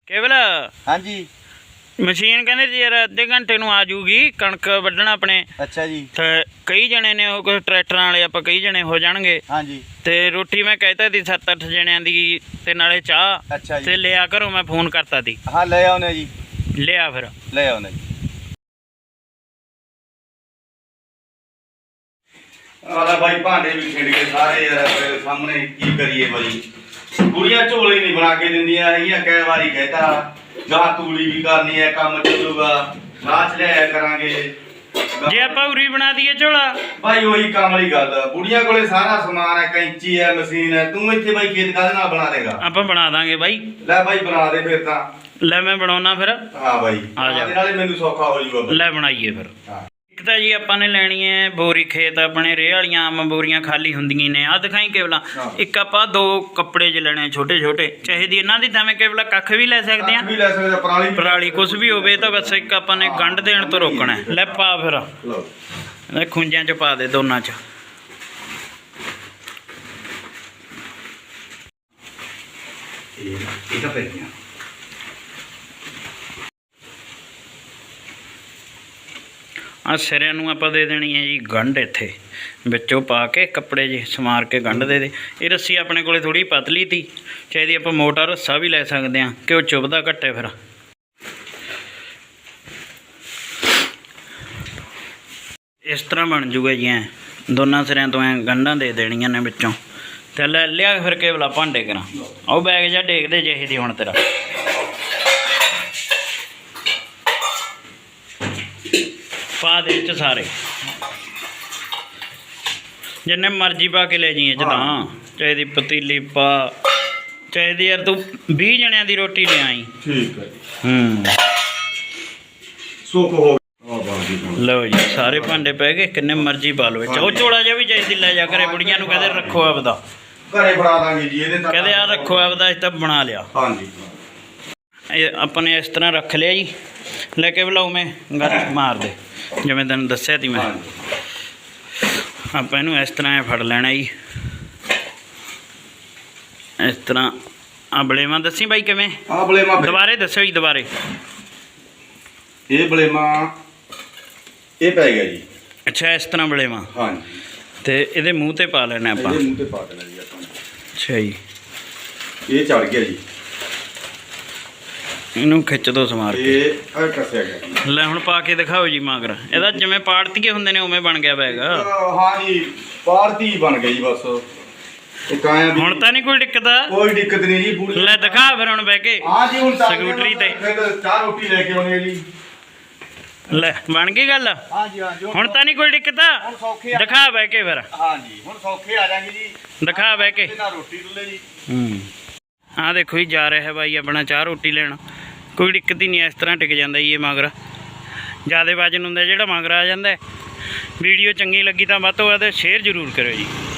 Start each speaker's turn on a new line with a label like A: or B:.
A: केवल
B: हाँ जी
A: मशीन कहते जी यार अद्धे घंटे नूं आ जूगी कणक वड्ढना अपने।
B: अच्छा जी।
A: ते कई जने ने वो कुछ ट्रैक्टरां वाले आपां कई जने हो जाणगे।
B: हाँ जी।
A: ते रोटी मैं कहता थी 7-8 जणियां दी ते नाले चाह।
B: अच्छा जी।
A: ते लिया घरों मैं फोन करता थी।
B: हाँ ले आओने जी।
A: लिया फिर
B: ले आओने जी। भाई भांडे भी खिंड के सारे यार तेरे सामने की करिए भाई। कुड़ियां झोले नहीं बना के दिंदियां हैगियां। कई बारी कहता जहाँ तूड़ी भी करनी है काम चलूगा नाच लिया करांगे
A: जे आपां उरी बना दिए झोला
B: भाई वही काम वाली गल। बुढ़िया कोले सारा समान है कैंची है मशीन है। तू इत्थे भाई खेत काहदे नाल बना देगा?
A: आपां बना दांगे भाई।
B: ले भाई बना दे फिर तां।
A: ले मैं बनाउणा फिर।
B: हाँ भाई
A: आ जा
B: नाले मैनू सौखा हो जूगा।
A: ले बनाइए फिर।
B: हाँ
A: एक तो जी आपां ने लैनी है बोरी खेत अपने रेह वालियां आम बोरियां खाली हुंदियां ने आ दिखाई केवला। एक आपां 2 कपड़े ज लेने छोटे छोटे चाहे दी इन्हां दी तां केवला कख भी ले सकदे आ।
B: भी ले सकदे पराली
A: पराली कुछ भी होवे तो बस एक आपां ने गंढ देण तो रोकना है। ले पा फिर
B: लो
A: ए खुंजां च पा दे दोनां च।
B: ਇਹ ਤਾਂ ਪੈ ਗਿਆ।
A: आ सिरिਆਂ ਨੂੰ ਆਪਾਂ ਦੇ ਦੇਣੀ है जी गंढ इत्थे ਵਿੱਚੋਂ पा के कपड़े जे समार के गंढ दे दे। ये रस्सी अपने कोले थोड़ी पतली थी चाहिए आप मोटा रस्सा भी ले सकते हैं कि वो चुभदा घट्टे फिर। इस तरह बन जूगा जी ऐ दोनों सिरिਆਂ तो ऐ गंढां दे देनियां ने विचों। ते ले लिया फिर केवला भांडे करा ਉਹ बैग जा डेक दे ਜਿਹੇ ਦੀ ਹੁਣ तेरा पा दे च सारे जिन्ने मर्जी पा के ले जाइए च तां चाहे दी पतीली पा चाहे दी यार तू 20 जणियां दी रोटी ले आई।
B: ठीक है सुख हो
A: लो जी सारे भांडे पै गए किन्ने मर्जी पा लो वो झोला जा भी चाहिए ले जा करे बुढ़िया नूं कहदे रखो आपदा
B: घरे बना दांगे जी ਇਹਦੇ ਤੱਕ
A: कहदे आ रखो आपदा इस तां बना लिया।
B: हाँ जी
A: अपने इस तरह रख लिया जी लेके बुलाओ मैं गल मार दे जिवें तैनूं दस्सिया ती मैं। आपां इहनूं इस तरह फड़ लेना जी इस तरह। आ बलेमा दसी भाई किवें
B: आ बलेमा
A: दोबारे दस्सो जी दोबारे।
B: ये बलेमा ये पै गया जी।
A: अच्छा इस तरह बलेमा
B: हाँ जी
A: ते इहदे मूँह ते पा लेना आपां।
B: मुंह ते पा देना जी आपां।
A: अच्छा जी
B: ये चढ़ गया जी
A: इहनूं खिੱਚ दो समार के।
B: ये आ कसिया गया।
A: ਲੈ ਹੁਣ ਪਾ ਕੇ ਦਿਖਾਓ ਜੀ ਮਗਰ ਇਹਦਾ ਜਿਵੇਂ ਪਾੜਤੀਏ ਹੁੰਦੇ ਨੇ ਉਵੇਂ ਬਣ ਗਿਆ ਬੈਗ।
B: हाँ जी पारती बन गई बस।
A: ਹੁਣ ਤਾਂ ਨਹੀਂ ਕੋਈ ਦਿੱਕਤ
B: कोई दिक्कत नहीं जी पूरी।
A: ਲੈ ਦਿਖਾ ਫਿਰ ਹੁਣ ਬਹਿ ਕੇ
B: हाँ जी हुण
A: ਸਕੂਟਰੀ ਤੇ
B: चार रोटी लेके आने जी।
A: ਲੈ ਬਣ ਗਈ ਗੱਲ।
B: हाँ जी हाँ जी
A: ਹੁਣ ਤਾਂ ਨਹੀਂ ਕੋਈ ਦਿੱਕਤ
B: हुण सौखे
A: ਦਿਖਾ ਬਹਿ ਕੇ ਫਿਰ
B: हाँ जी हुण सौखे आ जाएंगे जी।
A: ਦਿਖਾ ਬਹਿ ਕੇ।
B: ना रोटी डुले जी।
A: ਆ ਦੇਖੋ ਜੀ ਜਾ ਰਿਹਾ ਹੈ ਬਾਈ ਆਪਣਾ ਚਾਹ ਰੋਟੀ ਲੈਣ ਕੋਈ ਦਿੱਕਤ ਹੀ ਨਹੀਂ ਇਸ ਤਰ੍ਹਾਂ ਟਿਕ ਜਾਂਦਾ ਜੀ ਇਹ ਮਗਰ। ਜ਼ਿਆਦਾ ਵਜਨ ਹੁੰਦਾ ਜਿਹੜਾ ਮਗਰ ਆ ਜਾਂਦਾ। ਵੀਡੀਓ ਚੰਗੀ ਲੱਗੀ ਤਾਂ ਵੱਧ ਤੋਂ ਵੱਧ ਸ਼ੇਅਰ ਜ਼ਰੂਰ ਕਰਿਓ ਜੀ।